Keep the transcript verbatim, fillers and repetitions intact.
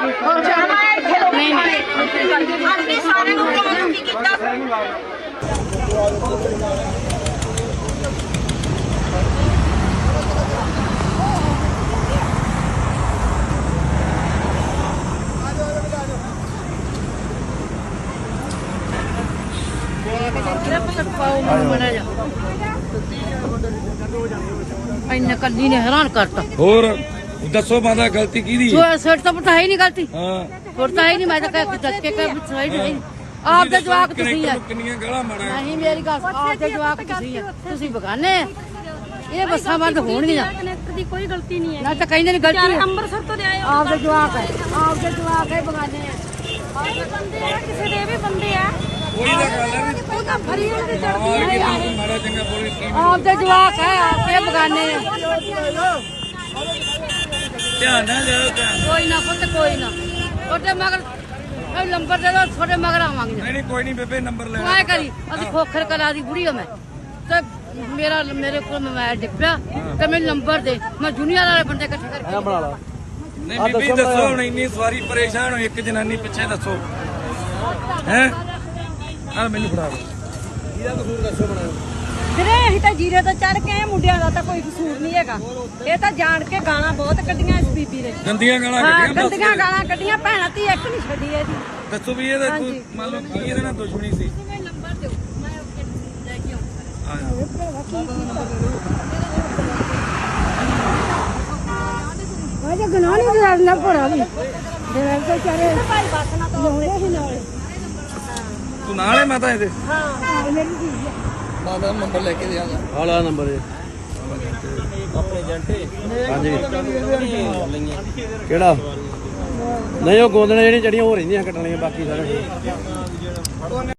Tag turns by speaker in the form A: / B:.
A: ਨਹੀਂ ਨਹੀਂ ਸਾਰੇ ਨੂੰ ਪ੍ਰਮੋਟ ਕੀ ਕੀਤਾ
B: ਇੰਨੇ ਕੱਲੀ ਨੇ ਹੈਰਾਨ ਕਰਤਾ।
C: ਹੋਰ ਦੱਸੋ ਮਾਦਾ ਗਲਤੀ ਕਿਹਦੀ
B: ਸੋ ਸਿਰ ਤਾਂ ਪਤਾ ਹੈ ਨਹੀਂ ਗਲਤੀ।
C: ਹਾਂ
B: ਹੋਰ ਤਾਂ ਹੈ ਨਹੀਂ। ਮੈਂ ਤਾਂ ਕਹਿ ਦੱਸ ਕੇ ਕਹਿ ਸਹੀ ਨਹੀਂ ਆਪ ਦੇ ਜਵਾਕ ਤੁਸੀਂ ਆ।
C: ਕਿੰਨੀਆਂ ਗਾਲਾਂ ਮਾਰਾਂ
B: ਨਹੀਂ ਮੇਰੀ ਗੱਲ ਆਪ ਦੇ ਜਵਾਕ ਤੁਸੀਂ ਆ। ਤੁਸੀਂ ਬਗਾਨੇ ਇਹ ਬੱਸਾਂ ਬੰਦ ਹੋਣਗੀਆਂ।
D: ਕਨੈਕਟਰ ਦੀ ਕੋਈ ਗਲਤੀ ਨਹੀਂ ਹੈ
B: ਨਾ ਤਾਂ ਕਹਿੰਦੇ ਨੇ ਗਲਤੀ ਹੈ।
D: ਅੰਮ੍ਰਿਤਸਰ ਤੋਂ ਲਿਆਏ
B: ਆਪ ਦੇ ਜਵਾਕ ਹੈ। ਆਪ ਦੇ ਜਵਾਕ ਹੈ ਬਗਾਨੇ ਆ।
D: ਆਪ ਬੰਦੇ ਆ ਕਿਸੇ ਦੇ ਵੀ ਬੰਦੇ ਆ।
C: ਕੋਈ ਤਾਂ ਗੱਲ ਹੈ ਵੀ
D: ਉਹ ਤਾਂ ਫਰੀਦ ਤੇ ਚੜਦੀ ਹੈ
C: ਤੂੰ ਮਾੜਾ ਚੰਗਾ ਬੋਲੀ ਕੀ
B: ਆਪ ਦੇ ਜਵਾਕ ਹੈ। ਆਪ ਦੇ ਬਗਾਨੇ ਆ।
C: ਧਿਆਨ ਨਾਲ ਜਾਓ ਧਿਆਨ
B: ਕੋਈ ਨਾ ਪੁੱਤ ਕੋਈ ਨਾ ਉਹਦੇ ਮਗਰ ਇਹ ਨੰਬਰ ਦੇ ਦੋ ਤੁਹਾਡੇ ਮਗਰ ਆਵਾਂਗੇ।
C: ਨਹੀਂ ਨਹੀਂ ਕੋਈ ਨਹੀਂ ਬੇਬੇ ਨੰਬਰ ਲੈ
B: ਤੂੰ ਐ ਕਰੀ ਅਸੀਂ ਖੋਖਰ ਕਲਾ ਦੀ ਬੁੜੀ ਹਾਂ ਮੈਂ ਤੇ ਮੇਰਾ ਮੇਰੇ ਕੋਲ ਮੋਬਾਈਲ ਡਿੱਪਿਆ ਤੇ ਮੈਨੂੰ ਨੰਬਰ ਦੇ ਮੈਂ ਦੁਨੀਆ ਵਾਲੇ ਬੰਦੇ ਇਕੱਠੇ ਕਰਕੇ ਬਣਾ ਲਾ।
C: ਨਹੀਂ ਬੀਬੀ ਦੱਸੋ ਹੁਣ ਇੰਨੀ ਸਵਾਰੀ ਪਰੇਸ਼ਾਨ ਹੋ ਇੱਕ ਜਨਾਨੀ ਪਿੱਛੇ ਦੱਸੋ ਹੈ ਆ ਮੈਨੂੰ ਫੜਾ ਦਿਓ ਇਹਦਾ ਕਸੂਰ ਦੱਸੋ ਬਣਾਓ
D: ਵੀਰੇ ਅਸੀਂ ਤਾਂ ਜੀਰੇ ਤੋਂ ਚੜ ਕੇ ਆਏ ਮੁੰਡਿਆਂ ਦਾ ਤਾਂ ਕੋਈ ਕਸੂਰ ਨਹੀਂ ਹੈਗਾ। ਇਹ ਤਾਂ ਜਾਣ ਕੇ ਗਾਲਾਂ ਬਹੁਤ ਕੱਢੀਆਂ ਇਸ ਬੀਬੀ ਨੇ।
C: ਗੰਦੀਆਂ ਗਾਲਾਂ
D: ਹਾਂ
C: ਕੱਢੀਆਂ ਬਸ।
D: ਗੰਦੀਆਂ ਗਾਲਾਂ ਕੱਢੀਆਂ ਭੈਣਾਂ ਧੀ ਇੱਕ ਨਹੀਂ ਛੱਡੀ ਇਹਦੀ।
C: ਦੱਸੋ ਵੀ ਇਹਦਾ ਕੋਈ ਮੰਨ ਲਓ ਕੀ ਇਹਦੇ ਨਾਲ ਦੁਸ਼ਮਣੀ ਸੀ
B: ਮੈਨੂੰ ਨੰਬਰ ਦਿਓ ਮੈਂ ਲੈ ਕੇ ਆਉਂਦਾ।
C: ਆ ਜਾ
B: ਵਾਜੇ ਗਨਾ ਨਹੀਂ ਕਰਨਾ ਪੜਾ ਵੀ ਜਿਹੜਾ ਕੋ ਚਾਰੇ
D: ਭਾਈ ਬੱਸ ਨਾ ਤੋਂ
B: ਹੀ ਨਾਲ
C: ਤੂੰ ਨਾਲ ਹੈ ਮਾਤਾ ਇਹਦੇ
B: ਹਾਂ ਮੇਰੀ ਜੀ
C: ਮਾਤਾ ਨੰਬਰ ਲੈ ਕੇ ਦੇ ਆਗਾ
E: ਆਲਾ ਨੰਬਰ ਇਹ
C: ਆਪਣੇ ਏਜੰਟੇ
E: ਹਾਂਜੀ ਕਿਹੜਾ ਨਹੀਂ ਉਹ ਗੋਦਣੇ ਜਿਹੜੀਆਂ ਚੜੀਆਂ ਹੋ ਰਹਿੰਦੀਆਂ ਕੱਟਣੀਆਂ ਬਾਕੀ ਸਾਰੇ